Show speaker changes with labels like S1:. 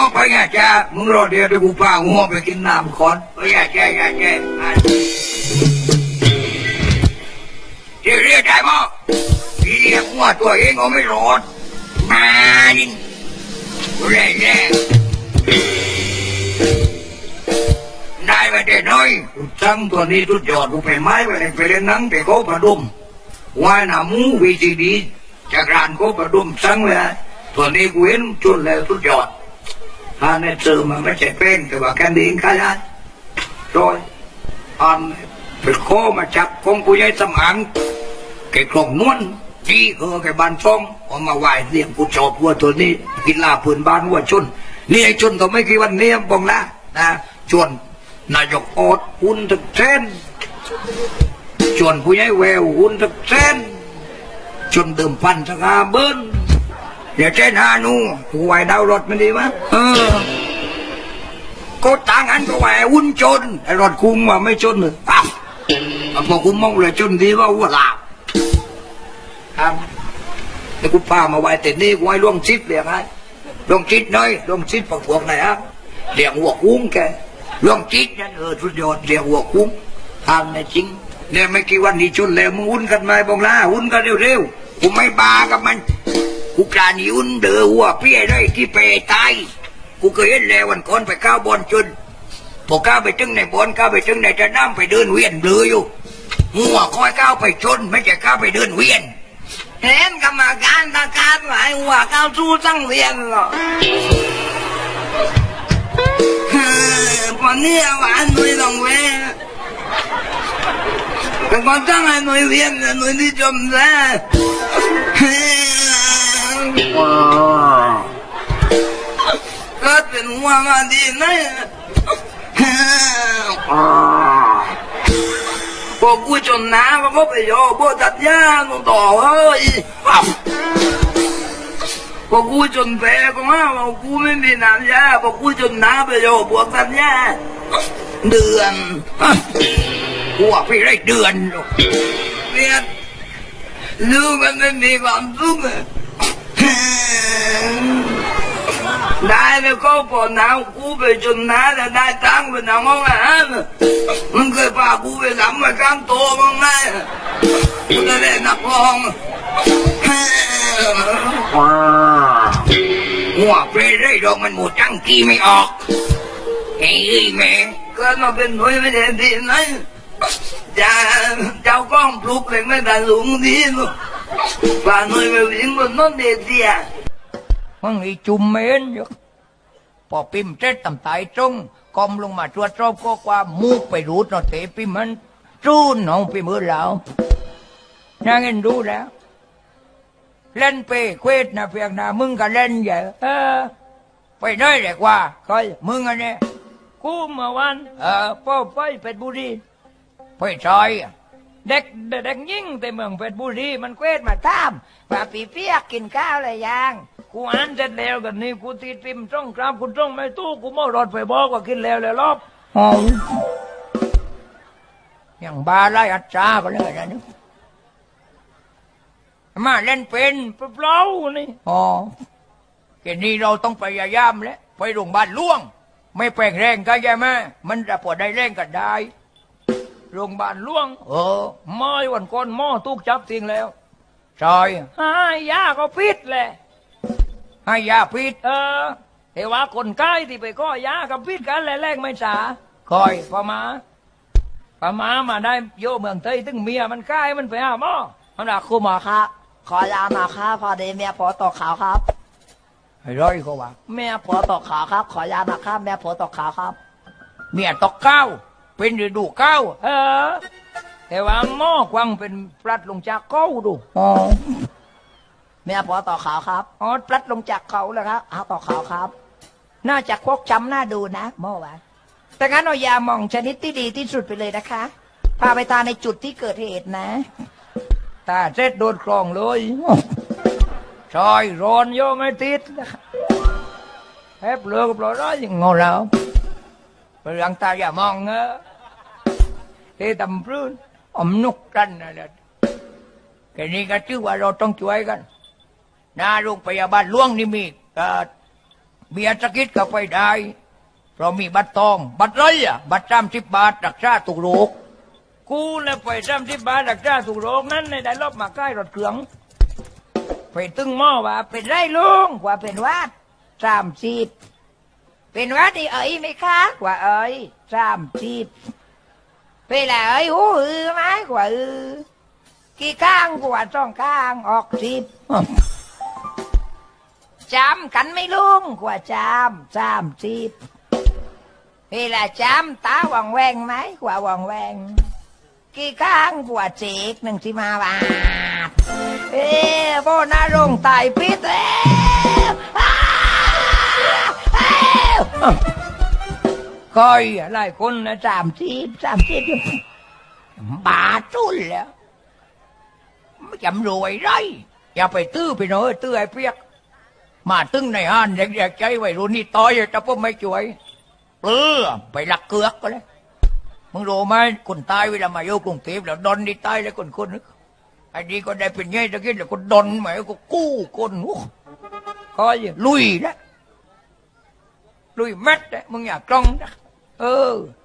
S1: ไปไงจ้ามึงรอเดี๋ยวเดี๋ยวกูพาหัวไปกินน้ำก่อนไปไงจ้าเดี๋ยวเรียกได้มั้งพี่เรียกหัวตัวเองก็ไม่รอดมาดิแรงได้มาแต่น้อยตั้งตัวนี้ทุกยอดกูไปไม้ไปเล่นนังแต่เขาประดุมว่าหน้ามูวีซีดีจากร้านเขาประดุมสั่งเลยตัวนี้กูเห็นจุดแล้วทุกยอดถ้าในเจอมันไม่ใช่เป็นแต่ว่าแค่ดิ้งขยันโดยอันเป็นโคมาจับกงกูยัยสมานแกกลงนวลที่แกบ้านช่องเอามาไหว้เลี้ยงกูชอบวัวตัวนี้กินลาพื้นบ้านวัวชนนี่ไอ้ชนตัวไม่กี่วันนี้บอกนะชวนนายกอดหุ่นถึกเส้นชวนผู้ใหญ่แววหุ่นถึกเส้นชวนเติมพันสัก5 เบิ้ลอย่าเช่น5 นูถูกไหวดาวรถมันดีมั้ยก็ต่างกันก็ไหวหุ่นชนไอ้รถคุ้มว่าไม่ชนเลยพอคุ้มมองเลยชนดีว่าหัวลาบครับแต่กูพามาไหวแต่นี่กูให้ล่วงชิดเรียกไงล่วงชิดน้อยล่วงชิดพวกไหนครับเรียกหัวคุ้งแกล่วงชิดนั่นสุดยอดเรียกหัวคุ้งทางในจริงเนี่ยไม่กี่วันนี้ชนแล้วมึงหุ่นกันไหมบองล่าหุ่นกันเร็วๆกูไม่บากับมันกูการหุ่นเดือหัวเปี้ยได้ที่เปตายกูเคยเห็นแล้ววันก่อนไปก้าวบอลจนพอก้าวไปถึงในบอลก้าวไปถึงในจะน้ำไปเดินเวียนเบลออยู่หัวคอยก้าวไปชนไม่ใช่ก้าวไปเดินเวียนเห็นกรรมการตะการหลายหัวก้าวสู้ตั้งเวียนหรอวันนี้หวานหนุ่ยต้องเว้แต่ก่อนตั้งให้หนุ่ยเวียนหนุ่ยที่จมแล้วก็เป็นหัวมาดีนะพอกูจนน้ำก็ไปโยบตัดยาต่อเฮ้ยพอกูจนแพ้ก็มาบอกกูไม่มีน้ำยาพอกูจนน้ำไปโยบตัดยาเดือนกูว่าไปได้เดือนหรอกเนี่ยลูกมันไม่มีความสุขได้แล้วก็พอน้ำกูไปจนน้ำแล้วได้ตังค์ไปทำห้องอาหารมันเคยพากูไปทำมาข้างโตบ้างไหมกูจะได้นักร้องหัวเปรย์ได้ดอกมันหมดจังกี้ไม่ออกไอ้แม่ก็มาเป็นหน่วยไม่ได้ดีนะจะเจ้ากล้องปลุกเลยไม่ได้ลุงดีลูกว่าหน่วยไปวิ่งบนน้นเดียมันมีจุ่มเมนอยู่พอปิมเจ็ดต่ำตายตรงกอมลงมาตรวจสอบก็ว่ามูกไปรูดนอเตะปิมมันจูนน้องปิมมือแล้วนั่งเงินดูแล้วเล่นเปเควดนะเพียงนะมึงก็เล่นใหญ่ไปได้เลยกว่าคอยมึงอันนี้กูเมื่อวันพ่อไปเป็ดบุรีไปซอยเด็กยิ่งแต่เมืองเป็ดบุรีมันเควดมาตามว่าปีเปียกกินข้าวอะไรยังกูอ่านเสร็จแล้วกันนี่กูตีพิมพ์จ้องกราบกูจ้องไม่ตู้กูมอรถไปบอกว่ากินแล้วรอบอย่างบาไล่อัจฉาก็เลยนะนี่มาเล่นเป็นเปล่านี่แค่นี้เราต้องพยายามแล้วไปโรงพยาบาลล่วงไม่แปลงแรงก็ใช่ไหมมันจะปวดได้แรงก็ได้โรงพยาบาลล่วงไม่วันก่อนหม้อตุกจับทิ้งแล้วใช่ให้ยาก็พิษแหละให้ยาพิษแต่ว่าคนใกล้ที่ไปก็ยากับพิษกันแรงไม่ช้าคอยพม่ามาได้โยเมืองไทยถึงเมียมันใกล้มันไปหาหม้อมันด่าครูหมอครับขอยามาครับพอดีเมียผัวตกขาวครับไอ้ร้อยเขาว่าเมียผัวตกขาวครับขอยามาครับเมียผัวตกขาวครับเมียตกเก้าเป็นฤดูเก้าแต่ว่าหม้อกวางเป็นปลัดลงจากเก้าดูเมียผัวตกขาวครับปลัดลงจากเขาแล้วครับตกขาวครับน่าจะควกจำหน้าดูนะหม้อวะแต่งั้นเอายาหม่องชนิดที่ดีที่สุดไปเลยนะคะพาไปทานในจุดที่เกิดเหตุนะตาเจ็ดโดนคลองเลยชอยร้อนโยไม่ติดแอบเลือกปล่อยร้อยงอแล้วไปรังตาอย่ามองเฮ้ตำพื้นนุกกันนะเด็ดแค่นี้ก็ชื่อว่าเราต้องช่วยกันหน้าโรงพยาบาลล่วงนี่มีเบียร์สกิดก็ไปได้เพราะมีบัตรทองบัตรไรอ่ะบัตร30 บาทรักษาตุกโรคกูเลยไป30 บาทรักษาตุกโรคนั้นในได้รอบมาใกล้รถเครื่องไปตึงหม้อว่าเป็นไรลุงว่าเป็นวัด30เป็นวัดที่เอ๋ยไหมคะว่าเอ๋ย30เป็นไรเอ๋ยหูอือไหมว่าอือกี่ข้างกว่า2 ข้างออก10จำกันไม่ลุงกว่าจำ30เวลาจำตาวังแวงไหมกว่าวังแวงกี่ข้างกว่าเจก1 15 บาทโบนารงตายพิษแล้วคอยหลายคนนะ30บาทจุนแล้วไม่จำรวยไรอย่าไปตื้อไปหน่อยตื้อไอ้เปียกมาตึ้งในห้านเด็กๆใจไว้รุ่นนี้ต่อยแต่พวกไม่ช่วยไปหลักเกือกก็เลยมึงรู้ไหมคนตายเวลามาโยกกรุงเทพแล้วดอนนี่ตายเลยคนนึกไอ้นี่ก็ได้เป็นไงตะกี้แล้วก็ดอนหมายก็กู้คนคอยลุยนะลุยแม็ดนะมึงอยากกล้องนะ